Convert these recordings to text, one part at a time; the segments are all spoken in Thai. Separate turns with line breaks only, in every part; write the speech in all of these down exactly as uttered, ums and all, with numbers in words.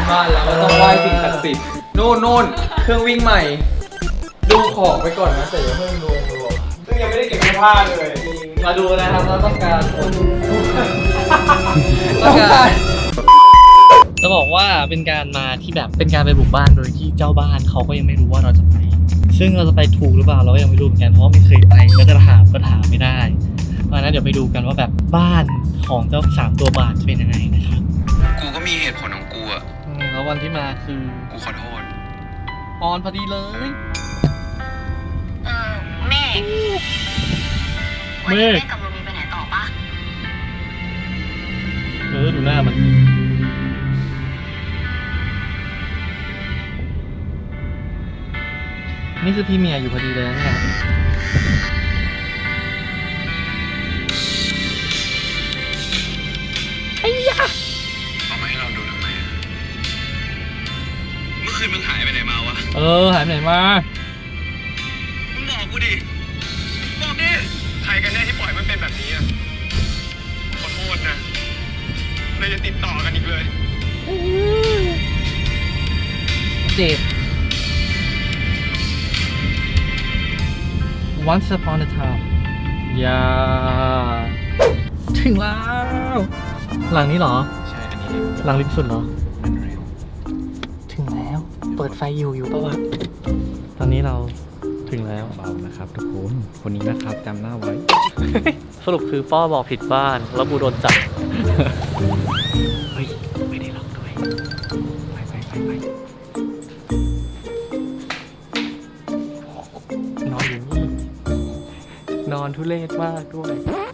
บ้านแล้วก็ต้องไหว้สิ่งศักดิ์สิทธิ์นู่นนู่นเครื่องวิ่งใหม่ดูของไปก่อนนะแต่อย่าเพิ่งรวมรวมซึ่งยังไม่ได้เก็บเสื้อผ้าเลยมาดูนะครับเราต้องการต้องการ
จะบอกว่าเป็นการมาที่แบบเป็นการไปบุกบ้านโดยที่เจ้าบ้านเขาก็ยังไม่รู้ว่าเราจะไปซึ่งเราจะไปถูกหรือเปล่าเราก็ยังไม่รู้เหมือนกันเพราะว่าไม่เคยไปก็จะถามก็ถามไม่ได้เพราะฉะนั้นเดี๋ยวไปดูกันว่าแบบบ้านของเจ้าสามตัวบาทจะเป็นยังไงนะครับ
กูก็มีเหตุผลของกูอ่ะ
แล้ววันที่มาคือ
กูขอโทษ
ออนพอดีเลย
เออเมฆวันนี้เมฆกับโรมีไปไหนต่อปะ
เออดูหน้ามันนี่คือพี่เมียอยู่พอดีเลยนะครับไอ้ยะ
เอามาให้เราดูทำไมเมื่อคืนมึงหายไปไหนมาวะ
เออหายไปไหนมา
มึงบอกกูดิบอกดิใครกันแน่ที่ปล่อยมันเป็นแบบนี้อ่ะขอโทษนะเราจะติดต่อกันอีกเลย
เจ็บOnce upon a time อย่าถึงแล้วหลังนี้เหรอ
ใช่อันนี้
หลังริมสุดเหรอถึงแล้วเปิดไฟอยู่อยู่ปะวะตอนนี้เราถึงแล้ว
เบานะครับทุกคนคนนี้นะครับจำหน้าไว้
สรุปคือป้อบอกผิดบ้านแล้วกูโดนจับเฮ้ยไม่ได้ล็อกด้วยไปไปไปไปนอนอยู่นี่นอนทุเรศมากด้วย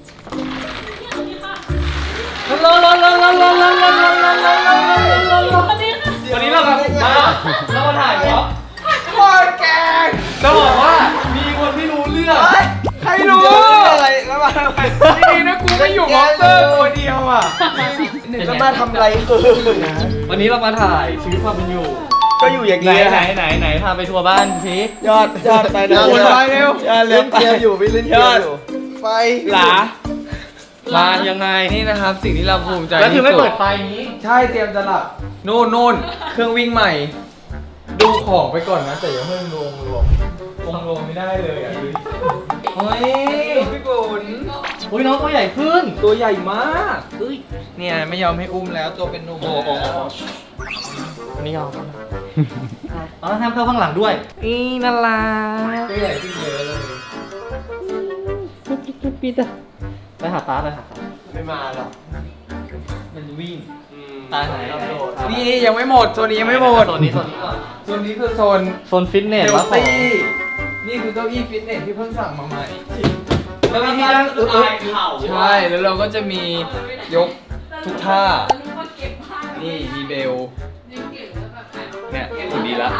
ลนลนลนลนลนลนลนลนลนลนลนวันนี้เราทำมาเรามาถ่ายเหรอ
โคตรแกง
จะบอกว่ามีคนที่รู้เรื่อง
ใครรู้อะไรแล้วมาทำไมนี่นะกูไม่อยู่มอนสเตอร์ตัวเดียวอ่ะแล้วมาทำอะไรคือ
วันนี้เรามาถ่ายชีวิตความเป็นอยู่
ก็อยู่อย่าง
นี้ไหนไหนไหนพาไปทัวร์บ้านสิ
ยอดยอดไปนะคนไปเร็วเล่นเกียร์อยู่พี่เล่นเกียร์อยู่ไฟหลา
มายังไง
นี่นะครับสิ่งที่เราภูมิใจ
แล้วคือไม่เปิดไฟนี้
ใช่เตรียมจะหลับนู่นนู่นเครื่องวิ่งใหม่ดูของไปก่อนนะแต่อย่าเพิ่งรวมรวมรวมรวมไม่ได้เลยอ่ะเฮ้ยพี่กุล
โอ้ยน้องตัวใหญ่ขึ้น
ตัวใหญ่มากเฮ้ยเนี่ยไม่ยอมให้อุ้มแล้วตัวเป็นหนุ่ม
โอ้โหไม่ยอมอ๋อห้ามเข้าข้างหลังด้วยอีน่ารัก
ตัวใหญ่ขึ้นเยอะเลย
ปิ๊ดปิ๊ดปิ๊ดอะไปหาตาไปหาตา
ไม่มาหรอก
มันวิ่งตาไหน
นี่ยังไม่หมดโซนนี้ยังไม่หมด
โซนนี้โซนนี้ก่อน
โซนนี้คือโซน
โซนฟิตเนสวะ
นี่คือเก้าอี้ฟิตเนสที่เพิ่งสั่งมาใหม่
เก้าอี้ที่นั่งเออ
ใช่แล้วเราก็จะมียกทุกท่านี่มีเบลเนี่ยคุณดีละ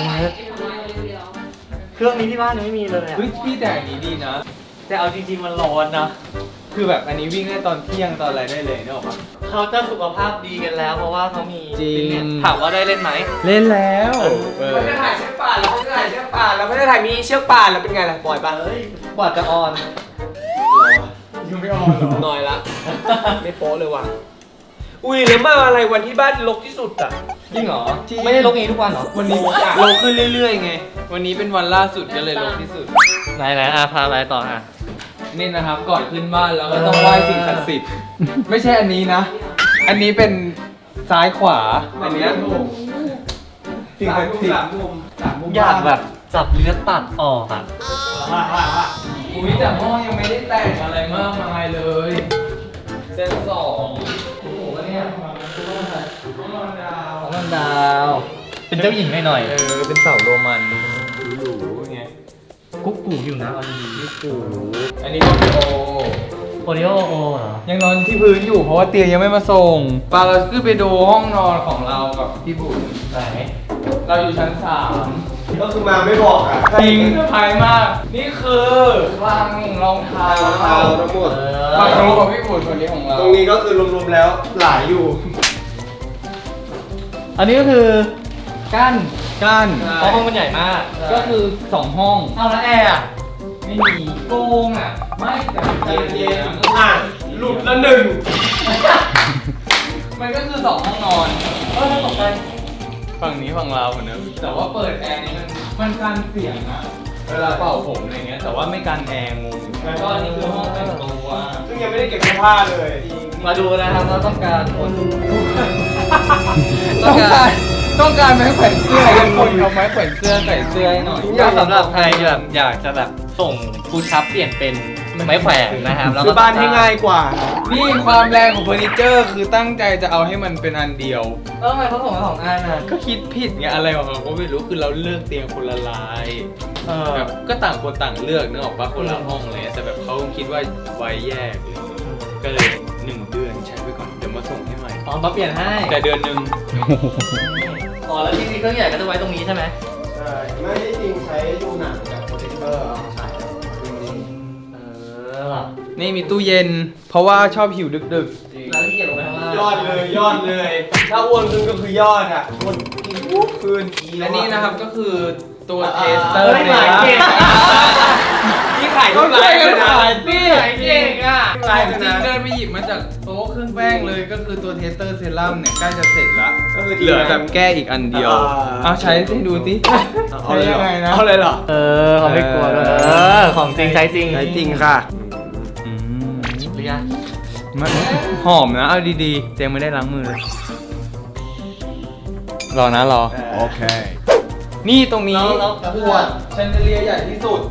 เครื่องนี้ที่บ้านยังไม่มีเลยอ่ะ
เฮ้ยพี่แต่อันนี้ดีนะ
แต่เอาจริงๆมันร้อนนะ
คือแบบอันนี้วิ่งได้ตอนเที่ยงตอนอะไรได้เลยเนี่ยหรอปะ
เขาจะสุขภาพดีกันแล้วเพราะว่าเขามีฟิตเนสถามว่าได้เล่นไหม
เล่นแล้ว
ไม่ได้ถ่ายเชือกป่านเราไม่ได้ถ่ายเชือกป่านเราไม่ได้ถ่ายมีเชือกป่านแล้วเป็นไงล่ะปล่อยปะเฮ้ยกว่าจะออน
ยังไม่ออนหรอ
หน่อยละไม่โป๊เลยว่ะอุ้ยแล้วมาอะไรวันที่บ้านรกที่สุดอ่ะ
จริงเหรอ
ไม่ได้รกเองทุกวันเหรอ
วันนี้รกขึ้นเรื่อยๆไงวันนี้เป็นวันล่าสุดก็เลยรกที่สุด
ไหนไหนอาพาไปต่ออ่ะ
นี่นะครับก่อนขึ้นบ้านเราก็ต้องไหว้สิ่งศักดิ์สิทธิ์ไม่ใช่อันนี้นะอันนี้เป็นซ้ายขวาอันนี้สิ่งศักดิ์สิทธิ์
อยากแบบจับเลือดตัดออกอ่ะ
อุ้ยแต่ห้องยังไม่ได้แต่งอะไรมากมายเลยเซตสองโอ้โหเนี่ยห้องนอนดาว
ห้องนอนดาวเป็นเจ้าหญิงหน่อย
เออเป็นเสาโรมันหรูๆไง
กุ๊กกูอยู่นะอันนี้กุ๊กกู
อันนี้ก็โอ
โอริโอโอเหรอ
ยังนอนที่พื้นอยู่เพราะว่าเตียงยังไม่มาส่งปาเราขึ้นไปดูห้องนอนของเรากับพี่บุญ
ไหน
เราอยู่ชั้นสาม
ก็คือมาไม่บอกอ่ะ
จริงภายมากนี่คือวางรองเท้ารอง
เท้าทั้งหมด
วางรองของพี่บุญคนนี้ของเรา
ตรงนี้ก็คือรวมๆแล้วหลายอยู่
อันนี้ก็คือกั้น
กั้น
เพราะห้องมันใหญ่มาก
ก็คือสองห้อง
เอาแล้วแอร์อ่ะ
ไม่มี
โกงอ่ะ
ไม่แต่ใจเย็น
อ่ะหลุดละหนึ่ง
มันก็คือสองห้องนอน
เออตกใจ
ฝั่งนี้ฝั่งเราเหมือนเดิมแต่ว่าเปิดแอร์นี่มันมันกันเสียงนะเวลาเป่าผมอะไรเงี้ยแต่ว่าไม่กันแอร์งงแล้วก็อันนี้คือห้องแต่งตัว
ซึ่งยังไม่ได้เก็บเสื้อผ้าเลย
มาดูนะครับเราต้องการคน
ต้องการต้องการไม้แขวนเสื้อกันคนเอาไม้แขวนเสื้อใส่เสื้อให้หน่อย
ก็สำหรับใครแบบอยากจะแบบส่งฟูดชับเปลี่ยนเป็นไม้แขวนนะครับแล้ว
ซื้
ก็
อบ้านให้ง่ายกว่า
นี่ความแรงของเฟอร์นิเจอร์คือตั้งใจจะเอาให้มันเป็นอันเดียว
แล้วทำไมเขาส่งมาสองอันอ่ะ
ก็คิดผิดไงอะไรของเราก็ไม่รู้คือเราเลือกเตียงคนละลาย
เออ
แบบก็ต่างคนต่างเลือกนึกออกปะคนละห้องเลยแต่แบบเขาคิดว่าไว้แยกเลยก็เลยหนึ่งเดือนใช้ไปก่อนเดี๋ยวมาส่งให้ใหม่
อ๋อมาเปลี่ยนให้
แต่เดือนหนึ่ง
อ๋อแล้วที่นี่เครื่องใหญ่ก็จะไว้ตรงนี้ใช่ไหม
ใช่ ไม่ได้จริงใช้ดูหนังแบบโปรเจคเตอร์เอามาฉาย
เออ
นี่มีตู้เย็น เพราะว่าชอบหิวดึก
แล้วที่เกียรลงไปข้างล่าง
ยอดเลยยอดเลย ถ้าอ้วนขึ้นก็คือยอดอ่ะอ้วนกินปุ๊บคืน
ๆและนี่นะครับก็คือตัว
อ่า
เทสเตอร์
เฮ้ย
เนี่ย
ขายเก่ง นี่ขายทุกไลน์เลยนะ
ขายสิ
ขายเก่งอ่ะ
ขาย
จ
เลย
ริง
นะ
ๆเดินไปหยิบมาจากโต๊ะเครื่องแป้งเลยก็คือตัวเทสเตอร์เซรั่มเนี่ยใกล้จะเสร็จละ
ก็คือ
เหลือแบบแก้อีกอันเดียว
อ่า
เอาใช้ให้ดูสิ
เอาเลยเหรอ
ใช้ยังไงนะ
เอาเลยเหรอ
เออเขาไม่กลัวด้วยเออของจริงใช้จริง
ใช้จริงค่ะ
อืม
หรือยัง
มันหอมนะ เอาดีๆเจมไม่ได้ล้างมือเลย รอนะรอ
โอเค
นี่ตรงนี้
แล้วแล้ว
ขวดแชนเดเลียร์ใหญ่ที่สุด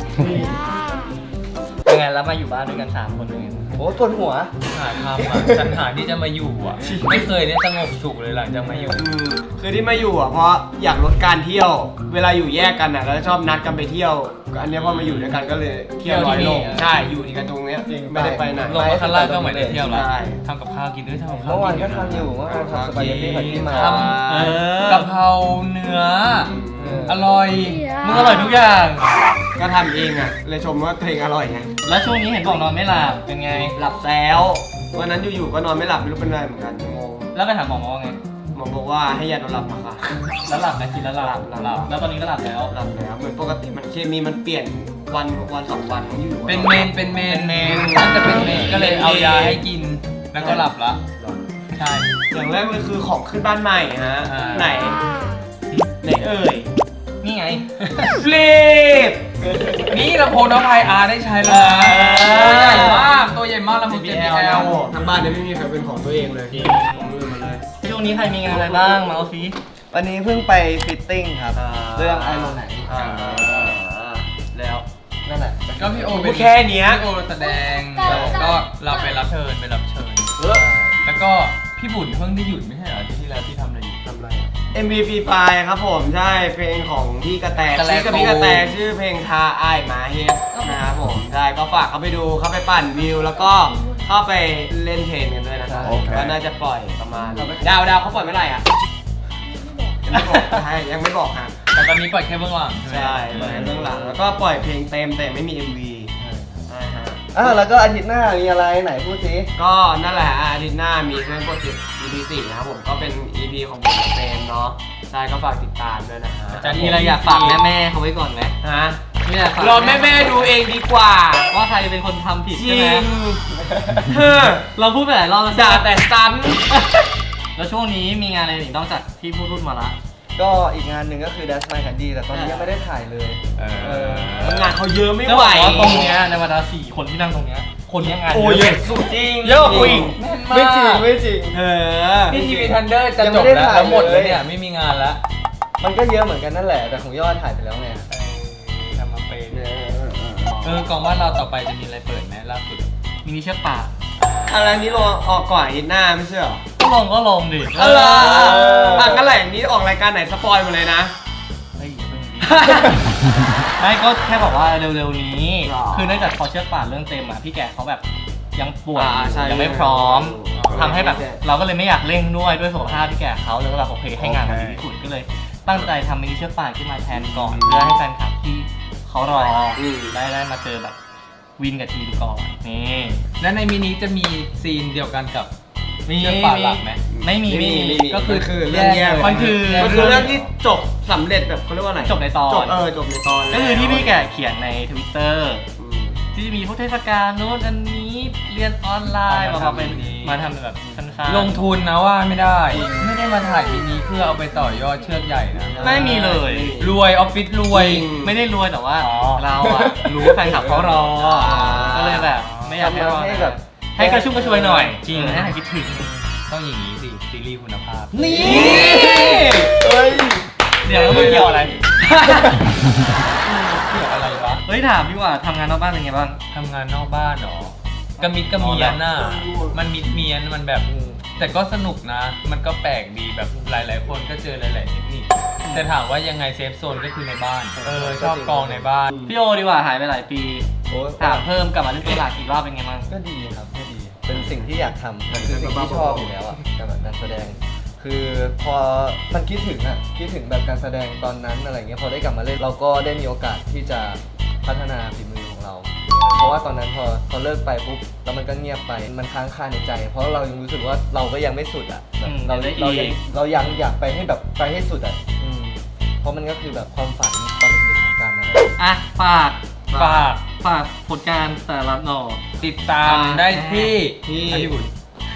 เป็นไงแล้วมาอยู่บ้านด้วยกันสามคนเป็นไง
โอ้ปวดหัว
หาทำอ่ะฉันหาที่จะมาอยู่อ่ะ ไม่เคยเนี่ยสงบสุขเลยหลังจากมาอยู่
อืมคือที่มาอยู่อ่ะเพราะอยากลดการเที่ยว เวลาอยู่แยกกันอ่ะเราจะชอบนัดกันไปเที่ยวก็อันเนี้ยพอมาอยู่ด้วยกันก็เลยเที่ยวน้อยลง
เที่ยวที่นี่
ใช่อยู่ที่กันตรงเนี้ยไม่ได้ไปไหน
ลงมาข้างล่างก็เหมือนได้เที่ยวแล้ว
ใช่
ทำกับข้าวกินด้วยทำกับข้าว
เมื่อวาน
กิ
ก็ทำอยู่เมื่อวานทำสปาเกตตี้ผัดขี้หมา
ทำเออกะเพราเนื้อ
เออ
อร่อย
มึงอร่อยทุกอย่าง
ก็ทำเองอ่ะเลยชมว่าตัวเองอร่อยไง
แล้วช่วงนี้เห็นบอกนอนไม่หลับเป็นไง
หลับแล้ววันนั้นอยู่ๆก็นอนไม่หลับไม่รู้เป็นอะไรเหมือนกันงง
แล้วไปถามหมอว่าไง
หมอบอกว่าให้ยานอนหลับมาค่ะ
แล้วหลับไหมกินแล้วหลับ
หลับหลับ
แล้วตอนนี้ก็หลับแล้ว
หลับแล้วเหมือนปกติมันเคมีมันเปลี่ยนวันวันสองวันมันอยู่ๆ
เป็นเมน เป็นเมน
เป็นเมน
น่าจะเป็นเมน ก็เลยเอายาให้กิน แล้วก็หลับละ ใช่
อย่างแรกเลยคือของขึ้นบ้านใหม่ฮะ
อ่า
ไหนไหนเอ่ย
นี่ไง
ฟลิป
นี่ลำโพงน้องไพอาร์ได้ใช้แล้วนะ
เออ
ตัวใหญ่มาก ตัวใหญ่มากลำโพง เจ บี แอล
ทั้งบ้านเนี่ยไม่มีใครเป็นของตัวเองเลยของมือมาเลย
ช่วงนี้ใครมีงานอะไรบ้างมาเอาซิ
วันนี้เพิ่งไปฟิตติ้งครับ
อ่า
เรื่องไอโรไหน
อ่าแล้ว
นั่นแหละ
ก็พี่โอเป็น
แค่เนี้ย
พี่โอแสดงแล้วก็เราไปรับเชิญไปรับเชิญ แล้วก็พี่บุญเพิ่งได้หยุดไม่ใช่เหรออาที่ที่แล้วที่ทำอะไรอยู่
ทำไร เอ็ม วี Free ไฟครับผมใช่เพลงของพี่กระแต
กระแต
ชื่อกับพี่กระแตชื่อเพลงทาอ้ายหมาเฮ็ดนะครับผมใช่ก็ฝากเข้าไปดูเข้าไปปั่นวิว แล้วก็เข้าไปเล่นเทรนกันด้วยนะครับ
โอเค
ก็น่าจะปล่อยประมาณดาวดาวเขาปล่อยเมื่อไหร่อ่ะยังไม่บอกใช่ยังไม่บอกฮะ
แต่ตอนนี้ปล่อยแค่เบื้องหลังใช่ไหม
ใช่ปล่อยเบื้องหลังแล้วก็ปล่อยเพลงเต็มแต่ไม่มี เอ็ม วี ใช่ฮะ
อ่าแล้วก็อาทิตย์หน้ามีอะไรไหนพูดสิ
ก็นั่นแหละอาทิตย์หน้ามีเรื่องโปรเจกต์ อี พี สี่นะครับผมก็เป็น อี พี ของผมกับเฟรมเนาะใช่ก็ฝากติดตามด้วยนะฮะ
จะมีอะไรอยากฝากแม่แม่ๆเขาไว้ก่อนไหม
ฮะ
ไม่อยากฝาก
รอแม่แม่ๆดูเองดีกว่า
ว่าใครเป็นคนทำผิด
จ
ใช่
ริ
ไหม
งเฮ้อ
เราพูดไปหลายรอบแล้วใช่
ด่า
ไหม
แต่ซ้
แล้วช่วงนี้มีงานอะไรอีกนอกจากที่พูดรุ่นมาละ
ก็อีกงานหนึ่งก็คือ Dash My Candy แต่ตอนนี้ยังไม่ได้ถ่ายเลย
เอ
เออ
ำงานเขาเยอะไม่
จะ
ไห
บ
ว
อกว่าตรงเนี้ยในบรรดาสี่คนที่นั่งตรงเนี้ยคนเนี้ยงาน
โอ้เยอะสุดจริง
เยอะกว่ากูอีก
ไม่จริงไม่จริง
เออ
นี่ทีวีทันเดอร์จะ
ยัง
จ
ไม่
บ
ได้
แล้ว
ถ่าย
แล้วหมดแล้ว
เลย
เนี่ยไม่มีงานแล้ว
มันก็เยอะเหมือนกันนั่นแหละ แต่ของยอดถ่ายไปแล้วไง
ทำมาเป็นเออกองว่าเราต่อไปจะมีอะไรเปิดไหมล่าสุด
มินิเชือกป่าก
อะไรนี้ลงออกก่อนอาทิตย์หน้าไม่ใช่เหรอ
ก็ลงก็ลงดิ
อะไรอ่ะงั้นแหละอย่างนี้ออกรายการไหนสปอยหมาเลยนะ
เฮ้ยอย่าเพิ่งดิไม่ก็แค่บอกว่าเร็วๆนี้
หรอ
คือเนื่องจากพอเชือกป่านเรื่องเต็มอ่ะพี่แกเขาแบบยังป่วย
อ่าใช่
ยังไม่พร้อม
อ๋อ
ทำให้แบบ
ใช่
เราก็เลยไม่อยากเร่งด้วยด้วยสุขภาพพี่แกเขาเลยก็แบบโอเคให้งานมันดีที่สุดก็เลย ตั้งใจทำมินิเชือกป่านขึ้นมาแทนก่อน เพื่อให้แฟนคลับที่เขารออได้ได้มาเจอแบบวินกับทีมก่อนนี่
และในมินิจะมีซีนเดียวกันกับ
มี
เชือกป่านหลักไหม
ไม่มีไม่มี
ก็คือ
คือเรื่องแยก
มันคือ
มันคือเรื่องที่จบสำเร็จแบบเขาเรียกว่าอะไร
จบในตอน
จบเออจบในตอน
ก็คือที่พี่แกเขียนใน ทวิตเตอร์
อืม
ที่จะมีพวกเทศกาลโน้นอันนี้ฤรียนออนไลน์
เอา
มา
มา
มาเป็น
ทำนี้
มาทำเป็นแบบสั้นๆ
ลงทุนนะว่าไม่ได้ ไม่ได้มาถ่ายมินิเพื่อเอาไปต่อยอดเชือกใหญ่นะ
ไม่มีเลย
รวยออฟฟิศรวย
ไม่ได้รวยแต่ว่า
อ๋อ
เราอะรู้แฟนคลับเขารอก็เลยแบบ ไม่อยากให้รอ
ให้แบบ
ให้กระชุ่มกระชวยหน่อย
จริง
ให้หายคิดถึง
ต้องอย่างนี้สิซีรีส์คุณภาพ
นี่
เฮ้ย
เดี๋ยวแล้วมึงเกี่ยวอะไร
เกี่ยวอะไรวะ
เฮ้ยถามดีกว่าทำงานนอกบ้านเป็นไงบ้าง
ทำงานนอกบ้านเหรอ กระมิดกระเมียนน่ะ มันมิดเมียน มันแบบ แต่ก็สนุกนะ มันก็แปลกดีแบบหลาย ๆ คนก็เจอหลาย ๆ เทคนิค แต่ถามว่ายังไงเซฟโซนก็คือในบ้าน เออ ชอบกองในบ้าน
พี่โอดีกว่าหายไปหลายปี
โอ้ย
ถามเพิ่มกลับมาเล่นตัวหลักอีกรอบเป็นไงบ้าง
ก็ดีครับก็ดี เป็นสิ่งที่อยากทำมันคือสิ่งที่ชอบอยู่แล้วอ่ะการแบบการแสดง คือพอมันคิดถึงอ่ะคิดถึงแบบการแสดงตอนนั้นอะไรเงี้ยพอได้กลับมาเล่นเราก็ได้มีโอกาสที่จะพัฒนาฝีมือของเรา เพราะว่าตอนนั้นพอพอเลิกไปปุ๊บแล้วมันก็เงียบไปมันค้างคาในใจ เพราะเรายังรู้สึกว่าเราก็ยังไม่สุดอ่ะแบบ
อืม
เรา
ได้
เรา
อี
ยัง
ก
เรายังอยากไปให้แบบไปให้สุดอ่ะอืมเพราะมันก็คือแบบความฝันตอนเด็กๆเหมือนกันนะ
อ่ะฝาก
ฝาก
ฝากผลงานแต่ละหน่อ
ติดตามได้ที่
ที่
อ่ะพี่บุญ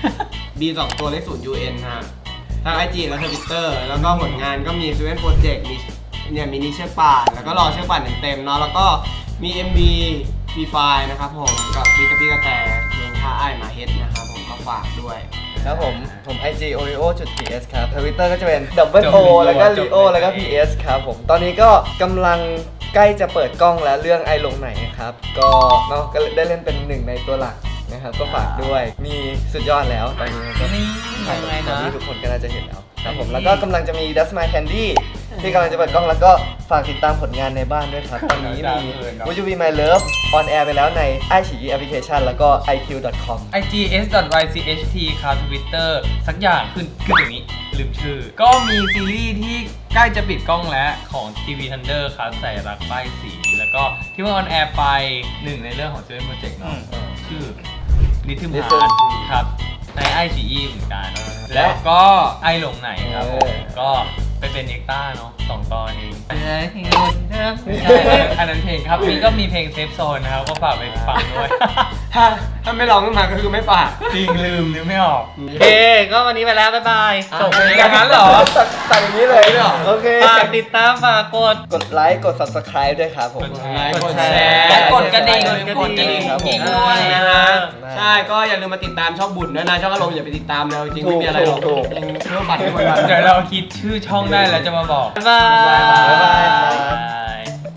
B สองตัวเลขศูนย์ ยู เอ็น ฮะทาง ไอ จี และ Twitter แล้วก็ผลงานก็มี Seven Project มีเนี่ยมินิเชือกป่านแล้วก็รอเชือกป่านเต็มๆเนาะแล้วก็มี เอ็ม วี ฟรีไฟล์นะครับผมกับพี่กระปี้กระแตเพลงท่าอ้ายหมาเฮ็ดนะครับผมก็ฝากด้วย
ครับผม ผม ไอ จี oreo.ps ครับ Twitter ก็จะเป็น double o แล้วก็ leo แล้วก็ ps ครับผม ตอนนี้ก็กำลังใกล้จะเปิดกล้องแล้วเรื่องไอลงไหนครับ ก็เนาะก็ได้เล่นเป็นหนึ่งในตัวหลักนะครับ ก็ฝากด้วย มีสุดยอดแล้วตอนนี้ก็
นี่
ถ่าย
ยังไง
ตอน
นะ
นี้ทุกคนก็น่าจะเห็นแล้วครับผม แล้วก็กำลังจะมี That's My Candy ที่กำลังจะเปิดกล้องแล้วก็ฝากติดตามผลงานในบ้านด้วยครับ ตอนนี้มี Would You Be My Love on air ไปแล้วใน ไอ ซี อี แอปพลิเคชันแล้วก็ ไอ คิว ดอท คอม
ไอ จี เอส ดอท วาย ซี เอช ที ครับ Twitter สักอย่างขึ้นขึ้นอย่างนี้ ลืมชื่อ ก็มีซีรีส์ที่ใกล้จะปิดกล้องแล้วของ ที วี Thunder ครับใส่รักป้ายสี แล้วก็ที่เพิ่งออนแอร์ไปหนึ่งในเรื่องของ Seven Project เนาะชื่อ Rhythm
Rhythm
Heart ครับใน ไอ ซี อี เหมือนกัน แล้วก็ไอหลงไหนครับผม
เออ
ก็ไปเป็นเอ็กต้าเนาะสองตอนเอง
ไม่ใช่
ใช่อันนั้นเพลงครับนี่ก็มีเพลงเซฟโซนนะครับ ก็ฝากไปฟังด้วย
ถ้าถ้าไม่ร้องขึ้นมาก็คือไม่ฝาก
จริงลืมนึกไม่ออก
โอเค ก็วันนี้ไปแล้ว บ๊ายบาย
จบไปอย่างนั้นเหรอ
ตัดอย่างนี้เลยเหรอ โอเค
ฝากติดตามฝากกด
กดไลค์ กด subscribe ด้วยครับผม
กดแชร์
กดแชร์
และกดกระดิ่ง
กดกระดิ่ง
ครับผม
ด้วยนะฮะ
ได้
ใช่ก็อย่าลืมมาติดตามช่องบุญด้วยนะช่องอารมณ์อย่าไปติดตามเลยจริงๆไม่มีอะไรหรอก
ถูก
เพื่อฝันทุกวัน
เดี๋ยวเราคิดชื่อช่องได้แล้วจะมาบอก
บ๊ายบาย
บ๊ายบายครับ